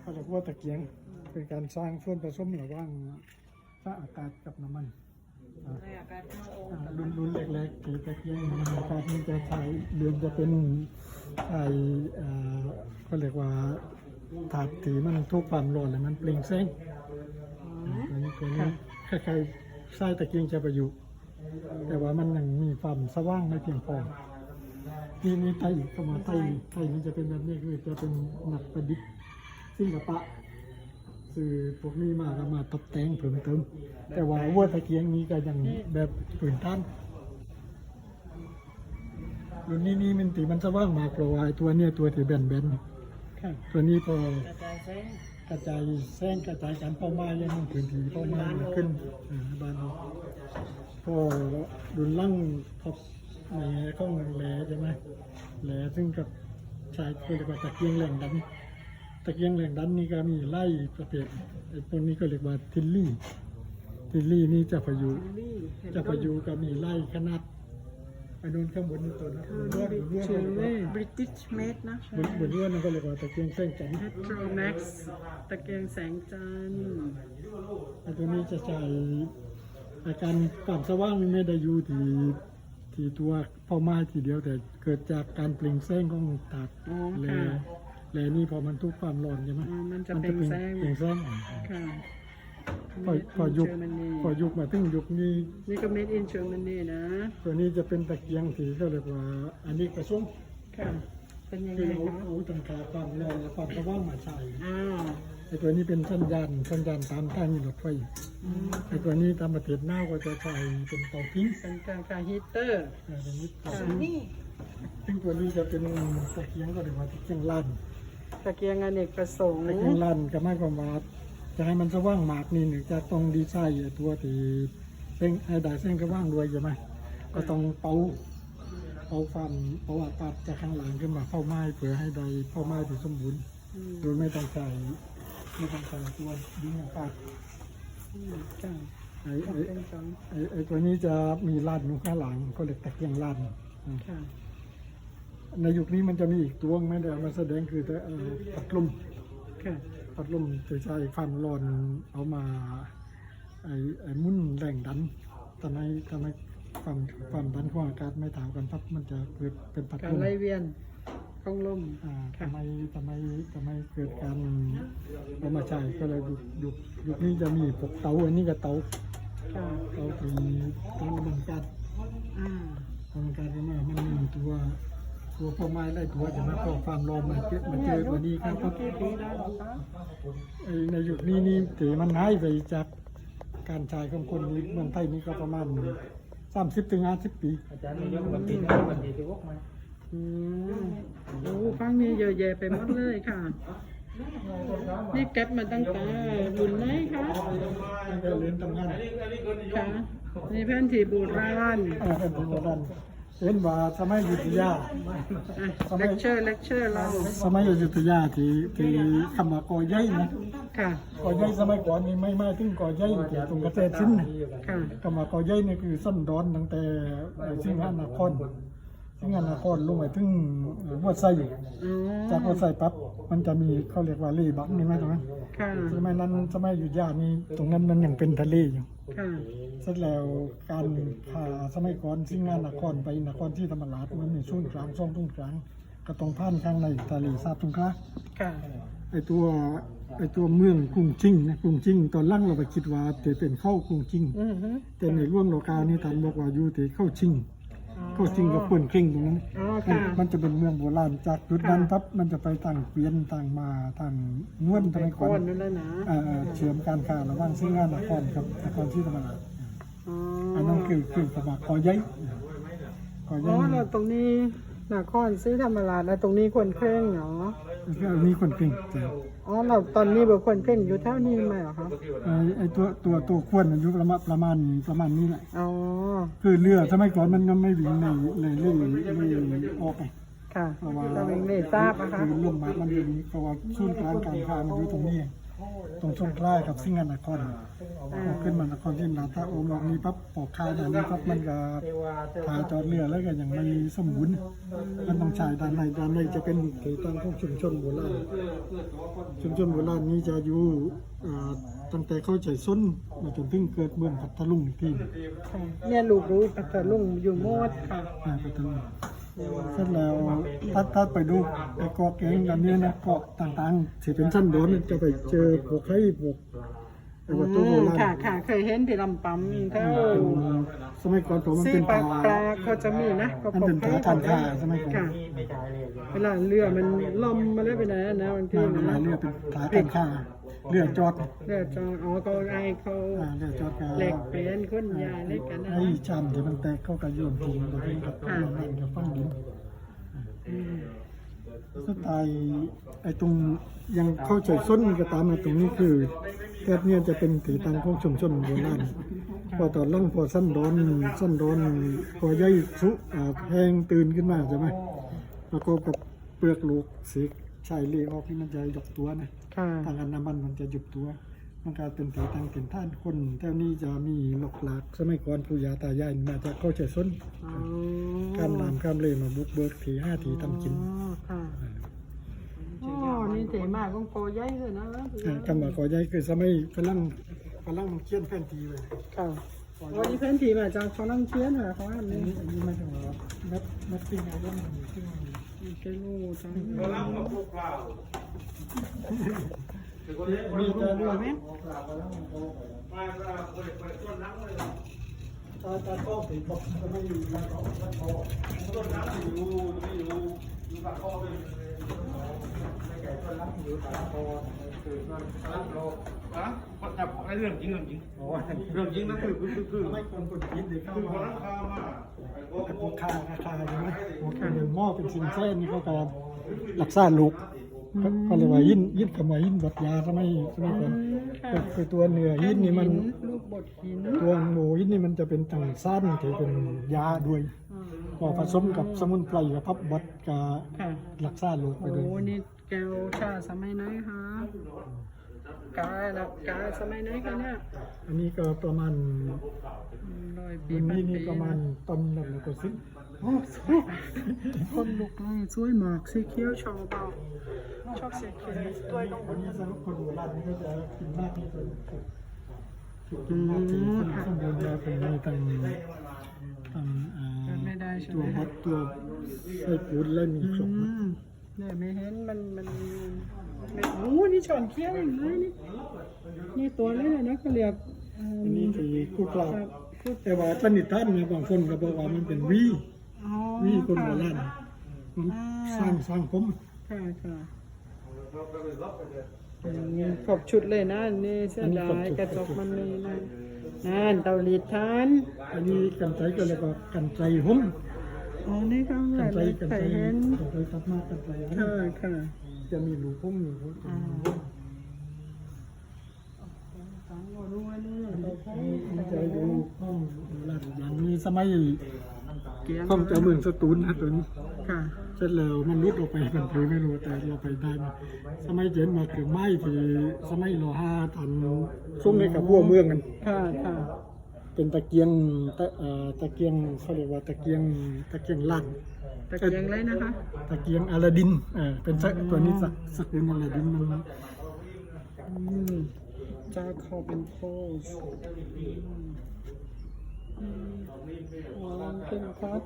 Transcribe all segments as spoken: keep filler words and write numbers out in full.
เขาเรียกว่าตะเกียงเป็นการสร้างส่วนผสมระหว่างฟ้าอากาศกับน้ำมันในอากาศเข้าโอ่งอ่ารุ่นรุ่นเล็กๆที่ตะเกียงอากาศนี่จะใช้เรือนจะเป็นไอเอ่อเขาเรียกว่าถาดที่มันทุกความร้อนแล้วมันเปล่งแสงอันนี้ตัวนี้คล้ายๆไส้ตะเกียงจะประยุกต์แต่ว่ามันยังมีความสว่างไม่เพียงพอที่นี้ไทยเข้ามาไทยไทยมันจะเป็นแบบนี้คือจะเป็นหนักประดิษฐ์ศิลปะคือพวกนี้มาก็มาตกแต่งเพิ่มเติมแต่ว่าวัวตะเกียงนี้ก็ยังแบบพื้นฐานรุ่นนี้นี่มันตีมันสว่างมากกว่าไอ้ตัวเนี้ยตัวที่แบนๆตัวนี้พอกระจายแสงกระจายแสงกระจายการเป้าหมายยังมันพื้นที่เป้าหมายมันขึ้นอ่าบ้านเราพอดุนลั่งท็อปในข้องแหล่ใช่ไหมแหล่ซึ่งกับชายเรียกว่าตะเกียงแหล่งดันตะเกียงแหล่งดันนี่ก็มีไล่ประเภทไอ้พวกนี้ก็เรียกว่าทิลลี่ทิลลี่นี่จะพายุนี่จะพายุก็มีไล่ขนาดไอ้นู่นข้างบนนี่ตัวนั้นบนรั้วบนรั้วชื่อว่า British Made นะบนบนรั้วนั่นก็เรียกว่าตะเกียงแสงจันทร์ Petromax ตะเกียงแสงจันทร์ไอ้ตัวนี้จะใช้อาการความสว่างนี่ไม่ได้อยู่ที่ที่ตัวเป้าหมายทีเดียวแต่เกิดจากการเปล่งแสงของถาดอ๋อแลค่ะแลนี่พอมันทุกความร้อนใช่ไหมอ๋อมันจะเปล่งแสงเปล่งแสงค่ะพอพอยุค Germany พอยุคมาถึงยุคนี้นี่ก็ Made in Germany นะตัวนี้จะเป็นตะเกียงที่เขาเรียกว่าอันนี้กระซุ้มค่ะ เป็นยังคืไงอเอาคะเอาตั้งค่าความร้อนและความสว่างมาใช้อ้าวไอ้ตัวนี้เป็นสัญญาณสัญญาณตามทางมีรถไฟอืมไอ้ตัวนี้ตามประเทศหน้าก็จะใช้เป็นเตาผิงเป็นการการฮีเตอร์เออเป็นนิดเตาค่ะผิงซึ่งตัวนี้จะเป็นตะเกียงก็เรียกว่าตะเกียงลั่นตะเกียงอเนกประสงค์ตะเกียงลั่นก็หมายความว่าจะให้มันสว่างมากนี่หนึ่งจะต้องดีไซน์ไอ้ตัวที่เป็นไอ้ได้เส้นก็ว่างด้วยใช่ไหมก็ต้องเป่าเป่าฟันเป่าอากาศจากข้างหลังขึ้นมาเข้าไม้เพื่อให้ได้เข้าไม้ที่สมบูรณ์อืมโดยไม่ต้องใส่ไม่ต้องใส่ตัวดึงอากาศอืมค่ะไอ้ไอ้เป็นสองไอ้ไอ้ตัวนี้จะมีลาดอยู่ข้างหลังก็เรียกตะเกียงลาดอืมค่ะในยุคนี้มันจะมีอีกตัวไม่ได้เอามาแสดงคือแต่เอ่อพัดลมค่ะพัดลมจะใช้ความร้อนเอามาไอ้ไอ้หมุ่นแรงดันทำให้ทำให้ความความดันของอากาศไม่เท่ากันปั๊บมันจะเกิดเป็นพัดการลมไล่เวียนของลมอ่าค่ะทำไมทำไมทำไมเกิดการเอามาใช้ก็เลยยุคยุคยุคนี้จะมีพวกเตาอันนี้ก็เตาค่ะเตาตีเตาระเบิดการอ่าระเบิดการก็มามันมีตัวตัวพ่อไม้ไล่ตัวจะมาพอความร้อนมาเจอมาเจอตัวนี้ครับครับกี่ปีแล้วคะไอ้ในยุคนี้นี่ถือมันหายไปจากการใช้ของคนนี้เมืองไทยนี่ก็ประมาณสามสิบถึงห้าสิบปีอืมโอ้ฟังนี้เยอะแยะไปหมดเลยค่ะ นี่เก็บมาตั้งแต่รุ่นไหนคะตั้งแต่เรียนทำงานค่ะนี่แผ่นที่โบราณเออเป็นโบราณเห็นว่าสมัยอยุธยาเลคเชอร์เลคเชอร์เราสมัยอยุธยาที่ที่คำว่ากอใหญ่นะค่ะกอใหญ่สมัยก่อนนี่ไม่ไม่ถึงกอใหญ่ที่ตรงกระเทศชิ้นนะค่ะคำว่ากอใหญ่นี่คือส้นดอนตั้งแต่ไอ้สิงหนครสิงหนครลงไปถึงวัดไซอ๋อจากวัดไซปั๊บมันจะมีเขาเรียกว่าเล่บักนี่ไหมตรงนั้นค่ะสมัยนั้นสมัยอยุธยานี่ตรงนั้นมันยังเป็นทะเลอยู่ค่ะเสร็จแล้วการพาสมัยก่อนสิงห์นครไปนครที่ธรรมราชมันมีช่วงกลางช่วงตรงกลางก็ต้องผ่านข้างในทะเลสาบสงขลาค่ะไอตัวไอตัวเมืองกรุงจิงนะกรุงจิงตอนหล่างเราไปคิดว่าจะเป็นเข้ากรุงจิงอือฮึแต่ในร่วงโลกานี่ท่านบอกว่าอยู่ที่เข้าชิงอ๋อเข้าชิงกับเปิ่นเคร่งตรงนั้นอ๋อมันค่ะมันจะเป็นเมืองโบราณจากจุดนั้นค่ะปั๊บมันจะไปต่างเกวียนต่างมาต่างนวลสเป็มันยคก่อนนนั่นแหละนะเอ่อเชื่อมการค้าระหว่างสิงห์นครกับนครที่ธรรมราชอ๋ออันนั้นคือคือสมัครกอใหญ่กอใหอ๋ญ่อเราตรงนี้นครศรีธรรมราชแล้วตรงนี้คนเคร่งเนาะก็มีคนเก่งแต่อ๋อเราตอนนี้บุคคลเคร่งอยู่เท่านี้ไหมเหรอคะไอ้ไอ้ตัวตัวตัวขวดอายุประมาณประมาณประมาณนี้แหละอ๋อคือเรือสมัยก่อนมันก็ไม่วิ่งในเลยเรื่อยเรื่อยออกไปค่ะเพราะว่าเราเองได้ทราบนะคะคือลมมามันอยู่นี้เพราะว่าศูนย์กลางการค้ามันอยู่ตรงนี้ตรงช่วงใกล้กับสิงห์นครพอขึ้นมานครที่นาถ้าโอมออกนี้ปั๊บปอกข้าวด้านนี้ปั๊บมันก็ถ่ายจอดเรือแล้วก็ยังไม่สมบูรณ์มันต้องใช้ด้านในด้านในจะเป็นที่ตั้งของชุมชนโบราณชุมชนโบราณนี้จะอยู่อ่าตั้งแต่เข้าใจส้นมาจนถึงเกิดเมืองพัทลุงอีกทีค่ะเนี่ยลูกรู้ปัตตาลุงอยู่โมดค่ะอ่าพัทลุงเสร็จแล้วถ้าถ้าไปดูไอ้เกาะเก่งกันนี้นะเกาะต่างๆที่เป็นชั้นบนจะไปเจอพวกไข่พวกไอ้วัตถุโบราณค่ะค่ะเคยเห็นที่ลำปั๊มเท่าสมัยก่อนผมมันซีเป็นปลาผาปลาเขาจะมีนะก็มันเป็นผาทานข้าสมัยก่อนค่ะเวลาเรือมันล่มมาเลยไปไหนนะบางทีมันเป็นนะเรือเป็นผาทานข้าเรือจอดเรือจองอ๋อเขาไอเขาอ่าเรือจอดกับเหล็กเปลี่ยนคนยาเล็กกันนะไอ้ชามที่มันแตกเข้ากับโยนทิ้งแล้วเป็นกับโยนนั่นกับฟังดินสุดท้ายไอ้ตรงยังเข้าใจส้นก็ตามมาตรงนี้คือแทบเนี่ยจะเป็นถีตังของชุมชนโบราณพอตอนหล่างพอสั้นร้อนสั้นร้อนพอย่อยสุอ่าแพงตื่นขึ้นมาใช่ไหมแล้วก็กับเปลือกลูกสีชายเลี้ยออกที่มันจะยกตัวนะค่ะทางอันน้ำมันมันจะหยุดตัว มันกลายเป็นถีตังเป็นท่านคนแถวนี้จะมีหลอกหลากสมัยก่อนปู่ย่าตายายมาจะเข้าใจส้นอ๋อข้ามน้ำข้ามเลยมาบุกเบิกถีห้าถีทำกินอ๋อค่ะอ๋อนี่เจ๋มากของโปรใหญ่เลยนะอ่าคำว่าขอใหญ่คือสมัยฝรั่งฝรั่งมันเขียนแผนที่เลยค่ะวันนี้เพื่อนทีมาจากฝรั่งเศสเหรอเขาอันอันนี้นี้อันนี้ไม่ต้องว่าแมปแมปปิ้งอะไรมันมีขึ้นมามีเกลูจังมีจะด้วยไหมตาตาก็สีบอกจะไม่อยู่ในของมันพอต้นน้ำอยู่อยู่อยู่ปากคอเป็นไม่แก่ต้นน้ำอยู่ปากคอคือต้นน้ำโลฮะจับไอ้เรื่องจริงเรื่องจริงเรื่องจริงนั่นคือคือคือคือไม่คนคนคิดเลยเข้าคือคนมานั้นพามาไอ้พวกข้าราคาใช่ไหมพวกหนึ่งหม้อเป็นสินแท้นี่เขาการรักษาลูกเขาเรียกว่ายินยินกับมายินบดยาสมัยสมัยก่อนก็คือตัวเนื้อยินนี่มันลูกบดหินตัวหมูยินนี่มันจะเป็นตังสั้นที่เป็นยาด้วยพอผสมกับสมุนไพรกับพับบดกับค่ะรักษาลูกไปโอ้ด้วยนี่แก้วชาสมัยไหนคะกาลักกาสมัยไหนกันเนี่ยอันนี้ก็ประมาณร้อยปีอันพันนี้ปีนี่ประมาณต้นละแล้วก็สิบโอ้สวยคนลุกเลยสวยมากสีเขียวชอบเปล่าชอบสีเขียวสวยต้องอันนี้สำหรับคนโบราณนี่ก็จะกินมากที่สุดกินมากที่สุดข้างบนจะเป็นมีตั้งตั้งอ่าไม่ได้ใช่ตัไหวมบดตัวไส้ปูนและมีครบอืมเนี่ยไม่เห็นมันมันไม่โอ้นี่ช้อนเคี้ยวอย่างไรนี่นี่ตัวนี้เลยนะเขาเรียกอืมอันนี้คือคู่กลางครับพูดแต่ว่าสนิทท่านเนี่ยบางคนก็บอกว่ามันเป็นวีอ๋อวีคนโบราณมันสร้างสร้างผมค่ะค่ะอืมครบชุดเลยนะนี่เสื้อลายกระจกมันมีนะนั่นเตาลีดทานอันนี้กันไกรก็เรียกว่ากันไกรหุ้มอ๋อนี่ก็กันไกรเลยกันเคไกรยเห็นกันไกรตัดมากันไกรหุ้มค่ะค่ะจะมีหลูหุ้มอยู่หุ้มอ๋อฟังว่ารู้ว่านี่เราใช้มันจะดูห้องโบราณอย่างนี้สมัยเกียงห้องเจ้าเมืองสตูลนะตัวนี้ค่ะเสร็จแล้วมันรุดออกไปเป็นผือไม่รู้แต่เราไปได้มาสมัยเจนมาถึงไม้ที่สมัยรอห้าทันส่งให้กับพวกเมืองกันค่ะค่ะเป็นตะเกียงตะเอ่อตะเกียงเขาเรียกว่าตะเกียงตะเกียงลั่นตะเกียงเลยนะคะตะเกียงอลาดินเออเป็นสักตัวนี้สักสกุลอลาดินมันอืมจาคอบเป็นโพสอ๋อเป็นครับ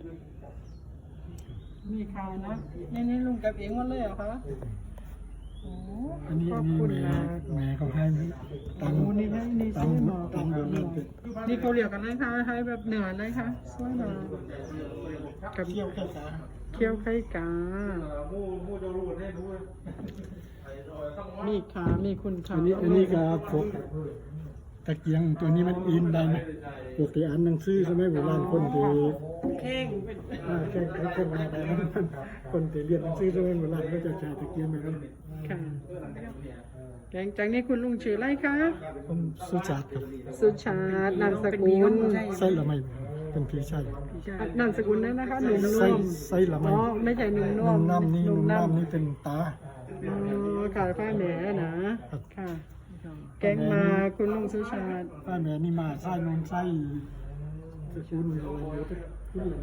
มีขายนะนี่นี่ลุงกับเองหมดเลยเหรอคะโอ้อันนี้ขอัอน บนี้คุณแม่นะแม่เขาให้ตังโอ้นี่ให้นี่ตัสงวยมากตังโบราณเป็นนี่เขาเรียกกันเลยค่ะให้แบบเหนือเลยค่ะสวยมากกับเที่ยวแค่สาเคี่ยวไข่กามูมูจะรู้ได้รู้มีขา มีคุณค่าอันนี้อันนี้ก็พวกตะเกียงตัวนี้มันอินได้ไหมปกติอ่านหนังสือใช่ไหมโบราณคนที่เข่งเป็นอ่าแค่แค่คนมาได้นั้นคนที่เรียนหนังสือใช่ไหมโบราณก็จะใช้ตะเกียงแบบนั้นค่ะแกงจากนี้คุณลุงชื่ออะไรคะผมสุชาติครับสุชาตินามสกุลไส้ละไม่เป็นพี่ชายนามสกุลนั้นนะคะ หนุ่มไส้นุ่มไส้ละไม่อ๋อ ไม่ใช่หนุ่มนุ่นุ่มมน้ำนี่นุ่มำน้ำนี่เป็นตาอ๋อค่ะผ้าแหนนะค่ะ แกงมาคุณลุงสุชาติป้าแม่นี่มาไส้นนไส้สกุลอะไรอยู่ที่ที่เหลือ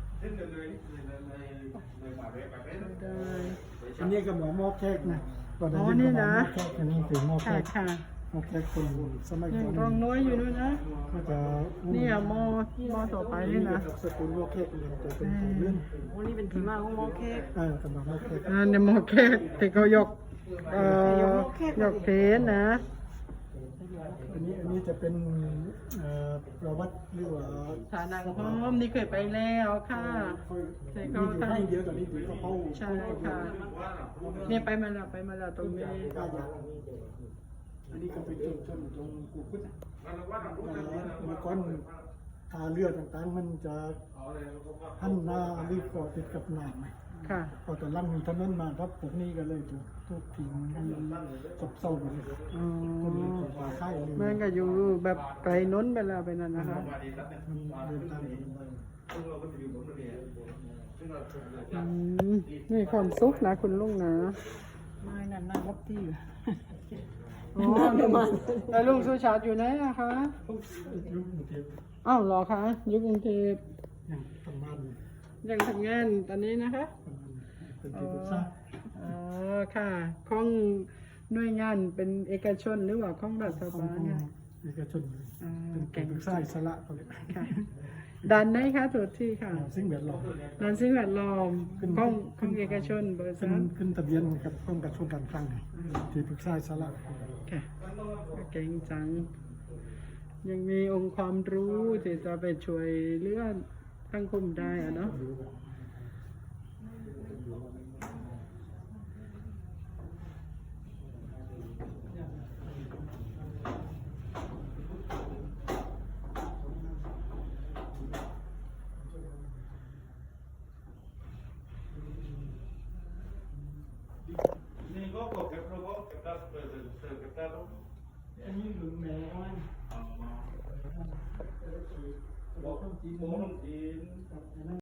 ได้อันนี้ก็หมอหม้อแขกนะตอนอ๋อนี้นี่ก็หมอนะหม้อแขกอันนี้คือหม้อแขค่ะกค่ะหม้อแขกคนสมัยยัก่งอนกองน้อยอยู่ด้วยนะก็จะนี่อะหมอหมอต่อไปนี่นะสกุลหม้อแขกเรียนตัวเป็นของเรื่องโอ้นี่เป็นที่มาของหมอเค้กเออกำลังหม้อแขกอ่าเนี่ยหมอแขกที่เขายกเอ่อยกเพนนะอันนี้อันนี้จะเป็นเอ่อประวัติหรือว่าฐานังหอมนี่เคยไปแล้วค่ะค่อยนี่อยู่ให้เยอะกว่านี้ถือก็เข้าใช่ค่ะเนี่ยไปมาแล้วไปมาแล้วตรงนี้กาอยากอันนี้ก็เป็นชนชนตรงกูขึ้นนะเมื่อก่อนทาเรือต่างๆมันจะหันหน้ารีบก่อติดกับหนามค่ะพอตอนหลังมีถนนมาครับพวกนี้ก็เลยถูกทุกทิ้งจบเศร้าไปเลยอ๋อคนมีคนตาไข้เลยมันก็อยู่แบบไกลน้นไปแล้วไปนั่นนะคะมันเดินทางอืมนี่ความสุขนะคุณลุงนะไม่นั่นนั่งรับที่อยู่อ๋อแล้วลุงสุชาติอยู่ไหนอะคะยุคกรุงเทพอ้าวเหรอคะอยู่กรุงเทพยังทำบ้านยังทำงานตอนนี้นะคะเป็นอ๋ที่อปรึกษาอ๋อค่ะของหน่วยงานเป็นเอกชนหรือว่าของรัฐของบาลเนี่ยเอกชนเลยอ๋อเป็นเก่งปรึกษาอิสระเขาเลยค่ะดันไหนคะถูกที่ค่ะสิ่งแวดล้อมดันสิ่งแวดล้อมขึ้นของของเอกชนบริษัขึ้นทขึ้นทะเบียนกับกรมการชนการคลังไงที่ปรึกษาอิสระค่ะเก่งจัง ยังมีองค์ความรู้ที่จะไปช่วยเหลือสังคมได้อะเนาะนี่ก็เก็บเราก็เก็บได้เก็บได้เก็บได้อันนี้หลุมแม่อ้อยบอกบอกต้องจีน